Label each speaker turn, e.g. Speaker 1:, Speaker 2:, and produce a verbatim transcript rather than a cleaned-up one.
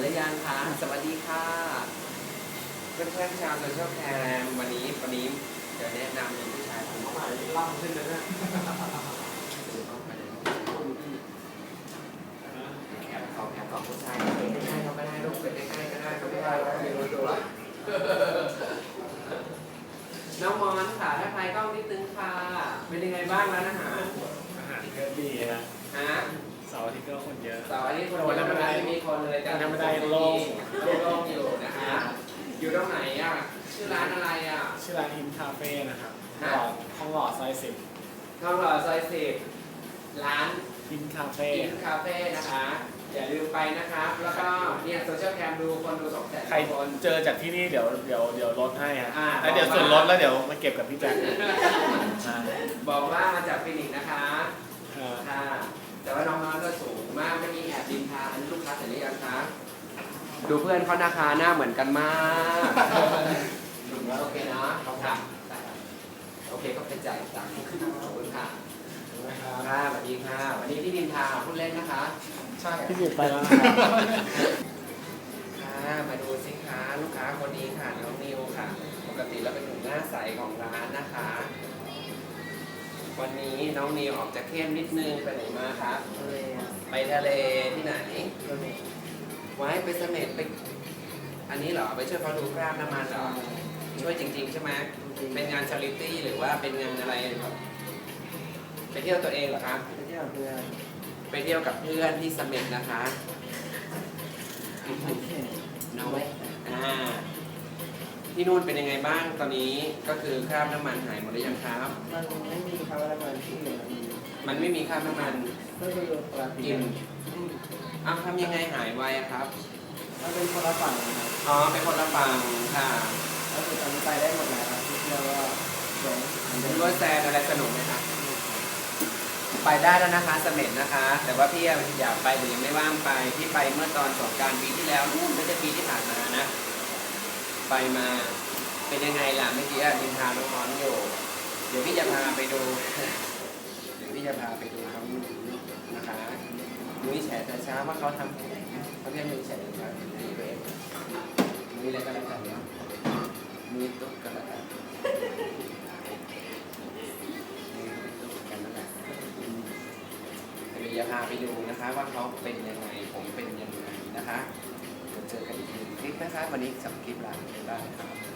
Speaker 1: รือยังคะสวัสดีค่ะเพื่อนๆชาวโซเชียลแคมวันนี้วันนี้จะแนะนำเป็นผู้ชายคนใหม่ล่ำขึ้นเลยนะแอบของแอบของผู้ชายใกล้ๆเขาก็ได้ลูกไปใกล้ๆก็ได้ก็ไม่ได้น้องมอนค่ะถ้าใครกล้องนิดนึงค่ะเป็นยังไงบ้างร้านอาหาร
Speaker 2: อาหารก็ดีนะ
Speaker 1: ฮะ
Speaker 2: เสาร์อาทิตย์ก็คนเยอะ
Speaker 1: เสาร์อาทิตย์คนเยอะไม่มีคนเลยแต่
Speaker 2: ธรรมดาโล่ง
Speaker 1: โล่งอยู่นะฮะอยู่ตรงไหนอ่ะชื่อร้านอะไรอ่ะ
Speaker 2: ชื่อร้านฮิมคาเฟ่นะครับ
Speaker 1: ฮะ
Speaker 2: หล่อห้องหล่อซอยสิบ
Speaker 1: ทองหล่อซอยสิบร้าน
Speaker 2: ฮิมคาเฟ่
Speaker 1: กินคาเฟ่นะคะอย่าลืมไปนะครับแล้วก็เนี่ยโซเชียลแคมดูคนดูสองแสน
Speaker 2: ใคร
Speaker 1: คน
Speaker 2: เจอจากที่นี่เดี๋ยวเดี๋ยวเดี๋ยวลดให้ฮะ
Speaker 1: อ่า
Speaker 2: แล้วเดี๋ยวส่วนลดแล้วเดี๋ยวมาเก็บกับพี่แจ็คอ่า
Speaker 1: บอกว่ามาจากฟินิกส์นะคะ
Speaker 2: อ่า
Speaker 1: ค่ะแต่ว่าน้องๆก็สูงมากไม่มีแอบดินทาอันนี้ลูกค้าเสร็จหรือยังคะดูเพื่อนเขาหน้าคาหน้าเหมือนกันมากโอเคนะเขาครับโอเคก็เป็นจ่ายตังค์ขอบคุณค่ะค่ะสวัสดีค่ะวันนี้พี่ดินทาพูดเล่นนะคะใช่
Speaker 2: พี่ดิบไปแล้วนะครับ
Speaker 1: ค่ะมาดูสิคะลูกค้าคนนี้ค่ะน้องนิวค่ะ ปกติแล้วเป็นหนุ่มหน้าใสของร้านนะคะ วันนี้น้องนิวออกจะเข้มนิดนึงไปไหนมาครับไปทะเลที่ไหนไว้ไปเสม็ดไปอันนี้เหรอไปช่วยเขาดูคราบน้ำมันเหรอช่วยจริง ๆ ใช่ไหมเป็นงานชาริตี้หรือว่าเป็นงานอะไรครับไปเที่ยวตัวเองเหรอครับ
Speaker 3: ไปเที่ยวเพื่อน
Speaker 1: ไปเที่ยวกับเพื่อนที่เสม็ดนะคะน้อยอ่าที่นู่นเป็นยังไงบ้างตอนนี้ก็คือคราบน้ำมันหายหมดหรือยังครับ
Speaker 3: มันไม่มีคำว่าอะไรที่เหลือมันมี
Speaker 1: มันไม่มีคราบน้ำมัน
Speaker 3: ก็คือปกติ
Speaker 1: กินอ้าวทำยังไงหายไวอะครับ
Speaker 3: มันเป็นคนละฝั่งนะครับ
Speaker 1: อ๋อเป็นคนละฝั่งค่ะ
Speaker 3: แล้วคือตอนนี้ไปได้หมดแล้วครับที่เที่ยวก็สวยเหมือนเดิ
Speaker 1: รู้
Speaker 3: ม
Speaker 1: ว่าแซนอะไรสนุกไหมครับไปได้แล้วนะคะเสม็ดนะคะ แต่ว่าพี่อยากไปแต่ยังไม่ว่างไปที่ไปเมื่อตอนสงกรานต์ปีที่แล้วนู่นไม่ใช่ปีที่ผ่านมานะ ไปมาเป็นยังไงล่ะเมื่อกี้ดินทาน้องๆอยู่เดี๋ยวพี่จะพาไปดู เดี๋ยวพี่จะพาไปดูเขานะคะนุ้ยแฉแต่เช้าว่าเขาทำเขาเรียกนุ้ยแฉครับนุ้ยเวฟนุ้ยอะไรก็แล้วกันเนาะนุ้ยตุ๊กกันแล้วกันนุ้ยตุ๊กกันแล้วกันเดี๋ยวจะพาไปดูนะคะว่าเขาเป็นยังไงผมเป็นยังไงนะคะเดี๋ยวเจอกันอีกหนึ่งคลิปนะคะวันนี้สองคลิปละได้ครับ